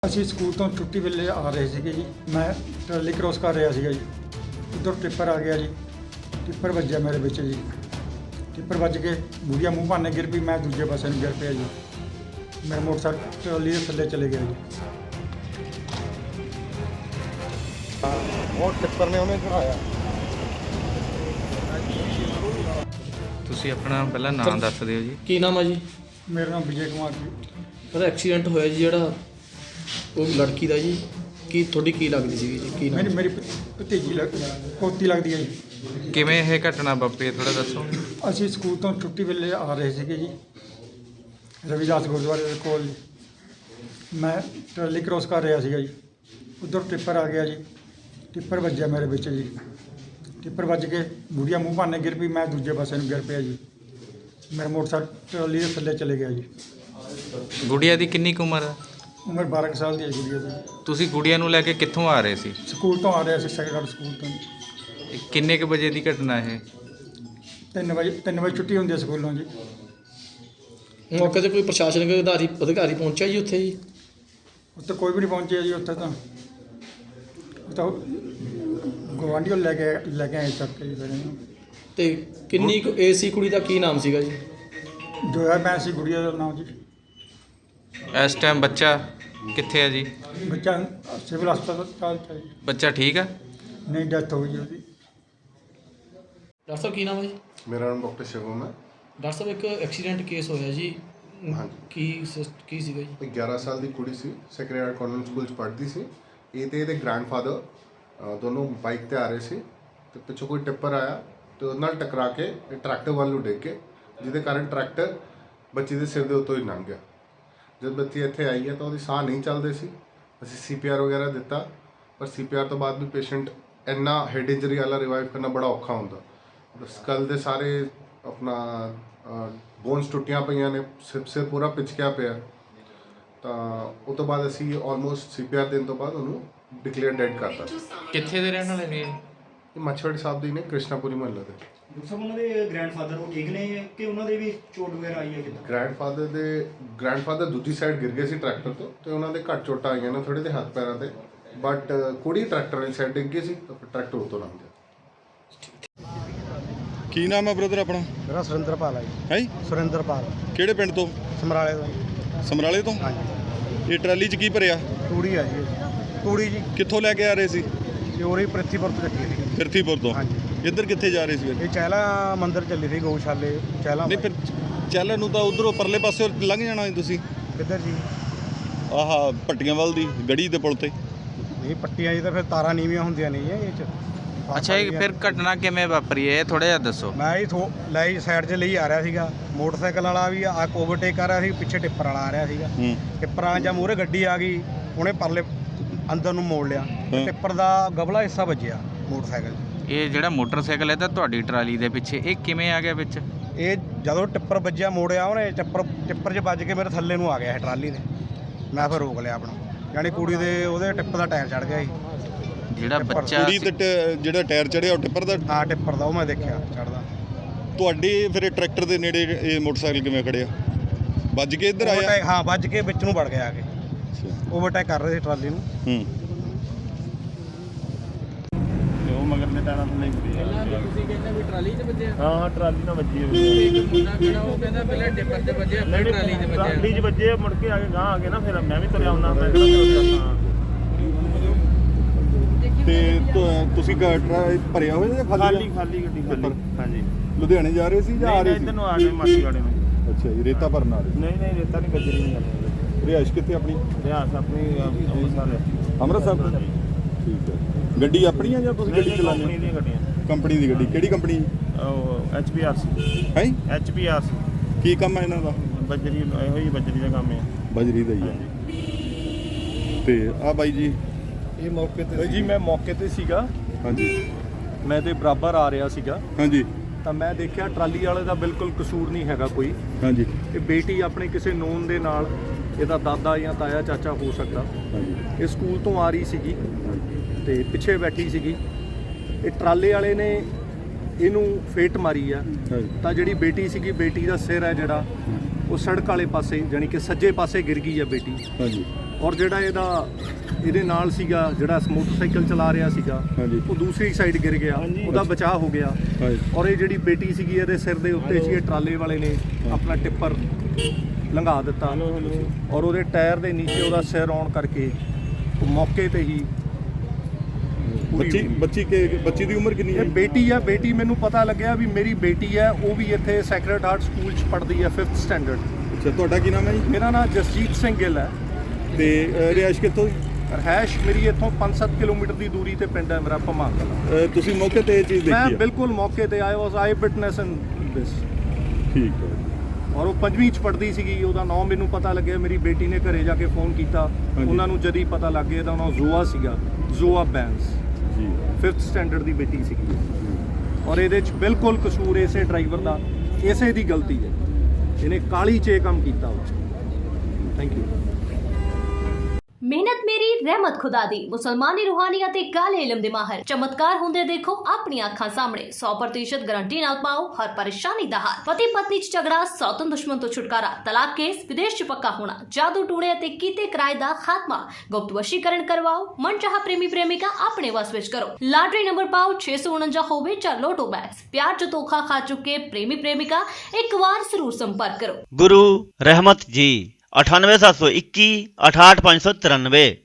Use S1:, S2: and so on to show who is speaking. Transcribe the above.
S1: ਅਸੀਂ ਸਕੂਲ ਤੋਂ ਛੁੱਟੀ ਵੇਲੇ ਆ ਰਹੇ ਸੀਗੇ ਜੀ। ਮੈਂ ਟਰਾਲੀ ਕ੍ਰੋਸ ਕਰ ਰਿਹਾ ਸੀਗਾ ਜੀ। ਉੱਧਰ ਟਿੱਪਰ ਆ ਗਿਆ ਜੀ। ਟਿੱਪਰ ਵੱਜਿਆ ਮੇਰੇ ਵਿੱਚ ਜੀ। ਟਿੱਪਰ ਵੱਜ ਕੇ ਬੁੜੀਆ ਮੂੰਹ ਭਾਨੇ ਗਿਰ ਪਈ। ਮੈਂ ਦੂਜੇ ਪਾਸੇ ਨੂੰ ਗਿਰ ਪਿਆ ਜੀ। ਮੇਰਾ ਮੋਟਰਸਾਈਕਲ ਟਰਾਲੀ ਦੇ ਥੱਲੇ ਚਲੇ ਗਿਆ ਜੀ।
S2: ਉਹ ਟਿੱਪਰ ਨੇ ਉਹਨੇ ਚੜਾਇਆ।
S3: ਤੁਸੀਂ ਆਪਣਾ ਪਹਿਲਾਂ ਨਾਮ ਦੱਸ ਦਿਓ ਜੀ।
S4: ਕੀ ਨਾਮ ਹੈ ਜੀ?
S1: ਮੇਰਾ ਨਾਮ ਵਿਜੇ ਕੁਮਾਰ ਜੀ।
S4: ਉਹਦਾ ਐਕਸੀਡੈਂਟ ਹੋਇਆ ਜੀ ਜਿਹੜਾ ਉਹ ਲੜਕੀ ਦਾ ਜੀ, ਕੀ ਤੁਹਾਡੀ ਕੀ ਲੱਗਦੀ ਸੀਗੀ ਜੀ? ਕੀ ਨਾਮ?
S1: ਮੇਰੀ ਭਤੀਜੀ ਪੋਤੀ ਲੱਗਦੀ ਹੈ ਜੀ।
S3: ਕਿਵੇਂ ਇਹ ਘਟਨਾ ਵਾਪਰੀ ਹੈ ਥੋੜਾ ਦੱਸੋ।
S1: ਅਸੀਂ ਸਕੂਲ ਤੋਂ ਛੁੱਟੀ ਵੇਲੇ ਆ ਰਹੇ ਸੀਗੇ ਜੀ, ਰਵਿਦਾਸ ਗੁਰਦੁਆਰੇ ਦੇ ਕੋਲ ਜੀ। ਮੈਂ ਟਰਾਲੀ ਕ੍ਰੋਸ ਕਰ ਰਿਹਾ ਸੀਗਾ ਜੀ। ਉੱਧਰ ਟਿੱਪਰ ਆ ਗਿਆ ਜੀ। ਟਿੱਪਰ ਵੱਜਿਆ ਮੇਰੇ ਵਿੱਚ ਜੀ। ਟਿੱਪਰ ਵੱਜ ਕੇ ਬੁੜੀਆ ਮੂੰਹ ਭਾਨੇ ਗਿਰ ਪਈ। ਮੈਂ ਦੂਜੇ ਪਾਸੇ ਨੂੰ ਗਿਰ ਪਿਆ ਜੀ। ਮੇਰਾ ਮੋਟਰਸਾਈਕਲ ਟਰਾਲੀ ਦੇ ਥੱਲੇ ਚਲੇ ਗਿਆ ਜੀ।
S3: ਗੁੜੀਆ ਦੀ ਕਿੰਨੀ ਕੁ ਉਮਰ ਹੈ?
S1: ਉਮਰ 12 ਕੁ ਸਾਲ ਦੀ ਹੈ ਗੁੜੀਆ ਦੀ।
S3: ਤੁਸੀਂ ਗੁੜੀਆ ਨੂੰ ਲੈ ਕੇ ਕਿੱਥੋਂ ਆ ਰਹੇ ਸੀ?
S1: ਸਕੂਲ ਤੋਂ ਆ ਰਿਹਾ ਸੀ, ਸੈਕੰਡਰੀ ਸਕੂਲ ਤੋਂ।
S3: ਇਹ ਕਿੰਨੇ ਕੁ ਵਜੇ ਦੀ ਘਟਨਾ ਇਹ?
S1: 3 ਵਜੇ ਛੁੱਟੀ ਹੁੰਦੀ ਹੈ ਸਕੂਲੋਂ ਜੀ।
S4: ਮੌਕੇ ਤੇ ਕੋਈ ਪ੍ਰਸ਼ਾਸਨਿਕ ਅਧਿਕਾਰੀ ਪਹੁੰਚਿਆ ਜੀ ਉੱਥੇ ਜੀ?
S1: ਉੱਥੇ ਕੋਈ ਵੀ ਨਹੀਂ ਪਹੁੰਚਿਆ ਜੀ। ਉੱਥੇ ਤਾਂ ਗਵਾਂਢੀਓ ਲੈ ਕੇ ਆਏ ਚੱਕ ਕੇ ਜੀ ਫਿਰ ਇਹਨੂੰ।
S4: ਤੇ ਕਿੰਨੀ ਕੁ ਏਜ ਸੀ ਕੁੜੀ ਦਾ? ਕੀ ਨਾਮ ਸੀਗਾ ਜੀ?
S1: ਜੋਇਆ ਮੈਂ ਸੀ ਗੁੜੀਆ ਦਾ ਨਾਮ ਜੀ।
S3: ਇਸ ਟਾਈਮ ਬੱਚਾ ਕਿੱਥੇ ਹੈ ਜੀ?
S1: ਬੱਚਾ ਸਿਵਲ ਹਸਪਤਾਲ ਚ ਹੈ ਜੀ।
S3: ਬੱਚਾ ਠੀਕ ਆ?
S1: ਨਹੀਂ, ਡੈਥ ਹੋ ਗਈ ਉਹਦੀ।
S4: ਡਾਕਟਰ ਸਾਹਿਬ ਕੀ ਨਾਮ ਹੈ ਜੀ?
S2: ਮੇਰਾ ਨਾਮ ਡਾਕਟਰ ਸ਼ਿਵਮ ਹੈ।
S4: ਡਾਕਟਰ ਸਾਹਿਬ ਇੱਕ ਐਕਸੀਡੈਂਟ ਕੇਸ ਹੋਇਆ ਜੀ।
S2: ਹਾਂਜੀ।
S4: ਕੀ ਸੀਗਾ ਜੀ?
S2: 11 ਸਾਲ ਦੀ ਕੁੜੀ ਸੀ, ਸੈਕਰੇਟ ਕਾਨਵੈਂਟ ਸਕੂਲ 'ਚ ਪੜ੍ਹਦੀ ਸੀ। ਇਹ ਤੇ ਇਹਦੇ ਗ੍ਰੈਂਡਫਾਦਰ ਦੋਨੋਂ ਬਾਈਕ ਤੇ ਆ ਰਹੇ ਸੀ ਤੇ ਪਿੱਛੋਂ ਕੋਈ ਟਿੱਪਰ ਆਇਆ ਤੇ ਉਹਦੇ ਨਾਲ ਟਕਰਾ ਕੇ ਇਹ ਟਰੈਕਟਰ ਵੱਲ ਨੂੰ ਡਿੱਗ ਕੇ, ਜਿਹਦੇ ਕਾਰਨ ਟਰੈਕਟਰ ਬੱਚੀ ਦੇ ਸਿਰ ਦੇ ਉੱਤੋਂ ਹੀ ਲੰਘ ਗਿਆ। ਜਦ ਬੱਚੀ ਇੱਥੇ ਆਈ ਹੈ ਤਾਂ ਉਹਦੀ ਸਾਹ ਨਹੀਂ ਚੱਲਦੇ ਸੀ। ਅਸੀਂ CPR ਵਗੈਰਾ ਦਿੱਤਾ, ਪਰ CPR ਤੋਂ ਬਾਅਦ ਵੀ ਪੇਸ਼ੈਂਟ ਇੰਨਾ ਹੈਡ ਇੰਜਰੀ ਵਾਲਾ ਰਿਵਾਈਵ ਕਰਨਾ ਬੜਾ ਔਖਾ ਹੁੰਦਾ। ਸਕਲ ਦੇ ਸਾਰੇ ਆਪਣਾ ਬੋਨਸ ਟੁੱਟੀਆਂ ਪਈਆਂ ਨੇ, ਸਿਰ ਪੂਰਾ ਪਿਚਕਿਆ ਪਿਆ। ਤਾਂ ਉਹ ਤੋਂ ਬਾਅਦ ਅਸੀਂ ਆਲਮੋਸਟ CPR ਦੇਣ ਤੋਂ ਬਾਅਦ ਉਹਨੂੰ ਡਿਕਲੇਅਰ ਡੈਡ ਕਰਤਾ।
S3: ਕਿੱਥੇ ਦੇ ਰਹਿਣ ਵਾਲੇ ਨੇ?
S2: ਇਹ ਮੱਛਵਾੜੀ ਸਾਹਿਬ ਦੀ ਨੇ, ਕ੍ਰਿਸ਼ਨਾਪੁਰੀ ਮਹੱਲੇ ਦੇ।
S5: ਡਾਕਟਰ ਸਾਹਿਬ ਉਹਨਾਂ ਦੇ ਗ੍ਰੈਂਡਫਾਦਰ ਉਹ ਠੀਕ ਨੇ ਕਿ ਉਹਨਾਂ ਦੇ ਵੀ ਚੋਟ ਵਗੈਰਾ ਆਈ ਹੈ ਕਿੱਦਾਂ?
S2: ਗ੍ਰੈਂਡਫਾਦਰ ਦੂਜੀ ਸਾਈਡ ਗਿਰ ਗਏ ਸੀ ਟਰੈਕਟਰ ਤੋਂ ਤੇ ਉਹਨਾਂ ਦੇ ਘੱਟ ਚੋਟਾਂ ਆਈਆਂ ਨੇ ਥੋੜੇ ਦੇ ਹੱਥ ਪੈਰਾਂ ਤੇ, ਬਟ ਕੁੜੀ ਟਰੈਕਟਰ ਵਾਲੀ ਸਾਈਡ ਡਿੱਗ ਗਈ ਸੀ ਤਾਂ ਟਰੈਕਟਰ ਉਤੋਂ ਲੰਘ ਗਿਆ।
S6: ਕੀ ਨਾਮ ਹੈ ਬ੍ਰਦਰ ਆਪਣਾ?
S5: ਮੇਰਾ ਸੁਰਿੰਦਰਪਾਲ ਹੈ ਜੀ।
S6: ਹੈ
S5: ਸੁਰਿੰਦਰਪਾਲ,
S6: ਕਿਹੜੇ ਪਿੰਡ ਤੋਂ?
S5: ਸਮਰਾਲੇ ਤੋਂ ਜੀ।
S6: ਸਮਰਾਲੇ ਤੋਂ।
S5: ਹਾਂਜੀ।
S6: ਇਹ ਟਰਾਲੀ 'ਚ ਕੀ ਭਰਿਆ?
S5: ਤੂੜੀ ਆ ਜੀ। ਤੂੜੀ ਜੀ
S6: ਕਿੱਥੋਂ ਲੈ ਕੇ ਆ ਰਹੇ ਸੀ?
S5: ਚੋਰੀ ਪ੍ਰਿਥੀਪੁਰ ਤੋਂ ਚੱਕੀ ਸੀ।
S6: ਫਿਰਥੀਪੁਰ ਤੋਂ।
S5: ਹਾਂਜੀ।
S6: ਇੱਧਰ ਕਿੱਥੇ ਜਾ ਰਹੇ ਸੀ ਫਿਰ?
S5: ਇਹ ਚਹਿਲਾ ਮੰਦਿਰ ਚੱਲੀ ਸੀ, ਗਊਸ਼ਾਲੇ ਚਹਿਲਾ।
S6: ਨਹੀਂ ਫਿਰ ਚੱਲਣ ਨੂੰ ਤਾਂ ਉਧਰੋਂ ਪਰਲੇ ਪਾਸੇ ਲੰਘ ਜਾਣਾ ਸੀ ਤੁਸੀਂ।
S5: ਕਿੱਧਰ ਜੀ?
S6: ਆਹਾ ਭੱਟੀਆਂ ਵੱਲ ਦੀ ਗੜੀ ਦੇ ਪੁਲ ਤੇ।
S5: ਨਹੀਂ, ਪੱਟੀਆਂ ਜੀ ਤਾਂ ਫਿਰ ਤਾਰਾਂ ਨੀਵੀਆਂ ਹੁੰਦੀਆਂ ਨਹੀਂ ਇਹ 'ਚ।
S3: ਅੱਛਾ, ਇਹ ਫਿਰ ਘਟਨਾ ਕਿਵੇਂ ਵਾਪਰੀ ਹੈ ਇਹ ਥੋੜਾ ਜਿਹਾ ਦੱਸੋ।
S5: ਮੈਂ ਜੀ ਲਈ ਸਾਈਡ 'ਚ ਲਈ ਆ ਰਿਹਾ ਸੀਗਾ। ਮੋਟਰਸਾਈਕਲ ਵਾਲਾ ਵੀ ਆ ਓਵਰਟੇਕ ਕਰ ਰਿਹਾ ਸੀ, ਪਿੱਛੇ ਟਿੱਪਰ ਵਾਲਾ ਆ ਰਿਹਾ ਸੀਗਾ। ਟਿੱਪਰਾਂ ਜਾਂ ਮੂਹਰੇ ਗੱਡੀ ਆ ਗਈ, ਉਹਨੇ ਪਰਲੇ ਅੰਦਰ ਨੂੰ ਮੋੜ ਲਿਆ। ਟਿੱਪਰ ਦਾ ਗਬਲਾ ਹਿੱਸਾ ਵੱਜਿਆ ਮੋਟਰਸਾਈਕਲ 'ਚ।
S3: ਇਹ ਜਿਹੜਾ ਮੋਟਰਸਾਈਕਲ ਹੈ ਤਾਂ ਤੁਹਾਡੀ ਟਰਾਲੀ ਦੇ ਪਿੱਛੇ, ਇਹ ਕਿਵੇਂ ਆ ਗਿਆ ਵਿੱਚ?
S5: ਇਹ ਜਦੋਂ ਟਿੱਪਰ ਵੱਜਿਆ ਮੋੜਿਆ ਉਹਨੇ, ਟਿੱਪਰ 'ਚ ਵੱਜ ਕੇ ਮੇਰੇ ਥੱਲੇ ਨੂੰ ਆ ਗਿਆ ਇਹ ਟਰਾਲੀ ਦੇ। ਮੈਂ ਫਿਰ ਰੋਕ ਲਿਆ ਆਪਣਾ, ਯਾਨੀ ਕੁੜੀ ਦੇ ਉਹਦੇ ਟਿੱਪਰ ਦਾ ਟਾਇਰ ਚੜ ਗਿਆ ਸੀ।
S3: ਜਿਹੜਾ ਬੱਚਾ
S6: ਕੁੜੀ ਤੇ ਜਿਹੜਾ ਟਾਇਰ ਚੜਿਆ ਉਹ ਟਿੱਪਰ ਦਾ?
S5: ਹਾਂ, ਟਿੱਪਰ ਦਾ ਉਹ ਮੈਂ ਦੇਖਿਆ ਚੜਦਾ।
S6: ਤੁਹਾਡੇ ਫਿਰ ਇਹ ਟਰੈਕਟਰ ਦੇ ਨੇੜੇ ਇਹ ਮੋਟਰਸਾਈਕਲ ਕਿਵੇਂ ਖੜਿਆ? ਵੱਜ ਕੇ ਇੱਧਰ ਆਇਆ?
S5: ਹਾਂ, ਵੱਜ ਕੇ ਵਿੱਚ ਨੂੰ ਵੜ ਗਿਆ ਆ ਕੇ। ਓਵਰਟੇਕ ਕਰ ਰਹੇ ਸੀ ਟਰਾਲੀ ਨੂੰ।
S7: ਉਹ ਮਗਰ ਦੇ ਟਾਇਰਾਂ ਤੋਂ ਨਹੀਂ ਪਈ।
S4: ਤੁਸੀਂ ਕਹਿੰਦੇ ਵੀ ਟਰਾਲੀ 'ਚ ਵੱਜਿਆ?
S7: ਹਾਂ, ਟਰਾਲੀ ਨਾਲ ਵੱਜੀ ਹੋਈ।
S4: ਇੱਕ ਮੁੰਡਾ ਕਿਹੜਾ ਉਹ ਕਹਿੰਦਾ ਪਹਿਲਾਂ ਟਿੱਪਰ 'ਤੇ ਵੱਜਿਆ, ਫਿਰ ਟਰਾਲੀ 'ਤੇ ਵੱਜਿਆ।
S7: ਟਰਾਲੀ 'ਚ ਵੱਜੇ, ਮੁੜ ਕੇ ਆ ਕੇ ਗਾਂ ਆ ਗਏ ਨਾ, ਫਿਰ ਮੈਂ ਵੀ ਤੁਰਿਆ ਹੁੰਦਾ। ਮੈਂ ਕਿਹਾ
S6: ਤੇ ਤੁਸੀਂ ਭਰਿਆ ਹੋਇਆ ਜਾਂ
S7: ਖਾਲੀ ਗੱਡੀ ਖਾਲੀ। ਹਾਂਜੀ।
S6: ਲੁਧਿਆਣੇ ਜਾ ਰਹੇ ਸੀ ਜਾਂ ਆ ਰਹੇ ਸੀ?
S7: ਇੱਧਰ ਨੂੰ ਆ ਗਏ ਮਾਸੀ ਵਾਲੇ ਨੂੰ।
S6: ਅੱਛਾ ਜੀ, ਰੇਤਾ ਭਰਨ ਆ ਰਹੇ?
S7: ਨਹੀਂ, ਰੇਤਾ ਨਹੀਂ, ਗੱਜਰੀ ਨਹੀਂ ਕਰਨੀ।
S6: ਰਿਹਾਇਸ਼ ਕਿੱਥੇ ਆਪਣੀ?
S7: ਰਿਆਸ ਆਪਣੀ
S6: ਅੰਮ੍ਰਿਤਸਰ। ਠੀਕ ਹੈ। ਗੱਡੀ ਆਪਣੀ ਆ ਜਾਂ ਤੁਸੀਂ ਗੱਡੀ ਚਲਾਉਂਦੇ?
S7: ਕੰਪਨੀ ਦੀਆਂ ਗੱਡੀਆਂ।
S6: ਕੰਪਨੀ ਦੀ ਗੱਡੀ? ਕਿਹੜੀ ਕੰਪਨੀ?
S7: ਉਹ HPRC।
S6: ਹੈ
S7: HPRC।
S6: ਕੀ ਕੰਮ ਹੈ ਇਹਨਾਂ ਦਾ?
S7: ਬੱਜਰੀ, ਇਹੋ ਹੀ ਬੱਜਰੀ ਦਾ ਕੰਮ ਹੈ।
S6: ਬਜਰੀ ਦਾ ਹੀ ਹੈ। ਤੇ ਆ ਬਾਈ ਜੀ?
S8: ਇਹ ਮੌਕੇ ਤੇ ਜੀ, ਮੈਂ ਮੌਕੇ ਤੇ ਸੀਗਾ।
S6: ਹਾਂਜੀ।
S8: ਮੈਂ ਤੇ ਬਰਾਬਰ ਆ ਰਿਹਾ ਸੀਗਾ
S6: ਹਾਂਜੀ।
S8: ਤਾਂ ਮੈਂ ਦੇਖਿਆ ਟਰਾਲੀ ਵਾਲੇ ਦਾ ਬਿਲਕੁਲ ਕਸੂਰ ਨਹੀਂ ਹੈਗਾ ਕੋਈ।
S6: ਹਾਂਜੀ।
S8: ਇਹ ਬੇਟੀ ਆਪਣੇ ਕਿਸੇ ਨੋਨ ਦੇ ਨਾਲ, ਇਹਦਾ ਦਾਦਾ ਜਾਂ ਤਾਇਆ ਚਾਚਾ ਹੋ ਸਕਦਾ।
S6: ਹਾਂਜੀ।
S8: ਇਹ ਸਕੂਲ ਤੋਂ ਆ ਰਹੀ ਸੀਗੀ ਤੇ ਪਿੱਛੇ ਬੈਠੀ ਸੀਗੀ। ਇਹ ਟਰਾਲੇ ਵਾਲੇ ਨੇ ਇਹਨੂੰ ਫੇਟ ਮਾਰੀ ਆ। ਤਾਂ ਜਿਹੜੀ ਬੇਟੀ ਸੀਗੀ, ਬੇਟੀ ਦਾ ਸਿਰ ਹੈ ਜਿਹੜਾ ਉਹ ਸੜਕ ਵਾਲੇ ਪਾਸੇ, ਜਾਣੀ ਕਿ ਸੱਜੇ ਪਾਸੇ ਗਿਰ ਗਈ ਆ ਬੇਟੀ।
S6: ਹਾਂਜੀ।
S8: ਔਰ ਜਿਹੜਾ ਇਹਦੇ ਨਾਲ ਸੀਗਾ ਜਿਹੜਾ ਮੋਟਰਸਾਈਕਲ ਚਲਾ ਰਿਹਾ ਸੀਗਾ
S6: ਹਾਂਜੀ।
S8: ਉਹ ਦੂਸਰੀ ਸਾਈਡ ਗਿਰ ਗਿਆ, ਉਹਦਾ ਬਚਾਅ ਹੋ ਗਿਆ।
S6: ਹਾਂਜੀ।
S8: ਔਰ ਇਹ ਜਿਹੜੀ ਬੇਟੀ ਸੀਗੀ ਇਹਦੇ ਸਿਰ ਦੇ ਉੱਤੇ ਸੀ, ਇਹ ਟਰਾਲੇ ਵਾਲੇ ਨੇ ਆਪਣਾ ਟਿੱਪਰ ਲੰਘਾ ਦਿੱਤਾ ਔਰ ਉਹਦੇ ਟਾਇਰ ਦੇ ਨੀਚੇ ਉਹਦਾ ਸਿਰ ਆਉਣ ਕਰਕੇ ਉਹ ਮੌਕੇ ਤੇ ਹੀ ਪੂਰੀ ਹੋ ਗਈ।
S6: ਬੱਚੀ ਦੀ ਉਮਰ ਕਿੰਨੀ ਹੈ?
S8: ਇਹ ਬੇਟੀ ਮੈਨੂੰ ਪਤਾ ਲੱਗਿਆ ਵੀ ਮੇਰੀ ਬੇਟੀ ਹੈ, ਉਹ ਵੀ ਇੱਥੇ ਸੈਕਰਡ ਹਾਰਟ ਸਕੂਲ 'ਚ ਪੜ੍ਹਦੀ ਹੈ 5th ਸਟੈਂਡਰਡ।
S6: ਅੱਛਾ, ਤੁਹਾਡਾ ਕੀ ਨਾਮ ਹੈ ਜੀ?
S8: ਮੇਰਾ ਨਾਮ ਜਸਜੀਤ ਸਿੰਘ ਗਿੱਲ ਹੈ
S6: ਤੇ ਰਿਹਾਇਸ਼ ਕਿੱਥੋਂ ਦੀ?
S8: ਰਹਿਸ਼ ਮੇਰੀ ਇੱਥੋਂ 5-7 ਕਿਲੋਮੀਟਰ ਦੀ ਦੂਰੀ ਤੇ ਪਿੰਡ ਹੈ ਮੇਰਾ ਭਮਾਂ ਕਲਾਂ।
S6: ਤੁਸੀਂ ਮੌਕੇ ਤੇ ਇਹ ਚੀਜ਼
S8: ਮੈਂ
S6: ਦੇਖੀ ਹੈ?
S8: ਬਿਲਕੁਲ ਮੌਕੇ ਤੇ ਆਇਆ ਵਾਸ ਆਈ ਵਿਟਨੈਸ ਇਨ ਦਿਸ।
S6: ਠੀਕ ਹੈ।
S8: ਔਰ ਉਹ 5ਵੀਂ 'ਚ ਪੜ੍ਹਦੀ ਸੀਗੀ, ਉਹਦਾ ਨਾਮ ਮੈਨੂੰ ਪਤਾ ਲੱਗਿਆ, ਮੇਰੀ ਬੇਟੀ ਨੇ ਘਰੇ ਜਾ ਕੇ ਫੋਨ ਕੀਤਾ, ਉਹਨਾਂ ਨੂੰ ਜਦ ਹੀ ਪਤਾ ਲੱਗ ਗਿਆ ਤਾਂ ਨਾਮ ਜ਼ੋਆ ਸੀਗਾ, ਜ਼ੋਆ ਬੈਂਸ
S6: ਜੀ
S8: 5th ਸਟੈਂਡਰਡ ਦੀ ਬੇਟੀ ਸੀਗੀ। ਔਰ ਇਹਦੇ 'ਚ ਬਿਲਕੁਲ ਕਸੂਰ ਇਸੇ ਡਰਾਈਵਰ ਦਾ, ਇਸੇ ਦੀ ਗਲਤੀ ਹੈ, ਇਹਨੇ ਕਾਲੀ 'ਚ ਇਹ ਕੰਮ ਕੀਤਾ। Thank you.
S9: ਮਿਹਨਤ ਮੇਰੀ ਰਹਿਮਤ ਖੁਦਾ ਦੀ। ਮੁਸਲਮਾਨੀ ਰੂਹਾਨੀਅਤ ਤੇ ਕਾਲੇ ਇਲਮ ਦੇ ਮਾਹਰ ਚਮਤਕਾਰ ਹੁੰਦੇ ਦੇਖੋ ਆਪਣੀਆਂ ਅੱਖਾਂ ਸਾਹਮਣੇ। 100% ਗਾਰੰਟੀ ਨਾਲ ਪਾਓ ਹਰ ਪਰੇਸ਼ਾਨੀ ਦਾ ਹੱਲ। ਪਤੀ ਪਤਨੀ 'ਚ ਝਗੜਾ, ਸੌਤਨ ਦੁਸ਼ਮਣ ਤੋਂ ਛੁਟਕਾਰਾ, ਤਲਾਕ ਕੇਸ, ਵਿਦੇਸ਼ 'ਚ ਪੱਕਾ ਹੋਣਾ, ਜਾਦੂ ਟੂਣੇ ਅਤੇ ਕੀਤੇ ਕਿਰਾਏ ਦਾ ਖਾਤਮਾ, ਗੁਪਤ ਵਸ਼ੀਕਰਨ ਕਰਵਾਓ, ਮਨਚਾਹਾ ਪ੍ਰੇਮੀ ਪ੍ਰੇਮਿਕਾ ਆਪਣੇ ਵਸ ਵਿੱਚ ਕਰੋ। ਲਾਟਰੀ ਨੰਬਰ ਪਾਓ 649 ਹੋਵੇ ਜਾਂ ਲੋਟੋ ਬੈਗਸ। ਪਿਆਰ 'ਚ ਧੋਖਾ ਖਾ ਚੁੱਕੇ ਪ੍ਰੇਮੀ ਪ੍ਰੇਮਿਕਾ ਇੱਕ ਵਾਰ ਜ਼ਰੂਰ ਸੰਪਰਕ ਕਰੋ।
S10: गुरु रहमत जी 98721 68593।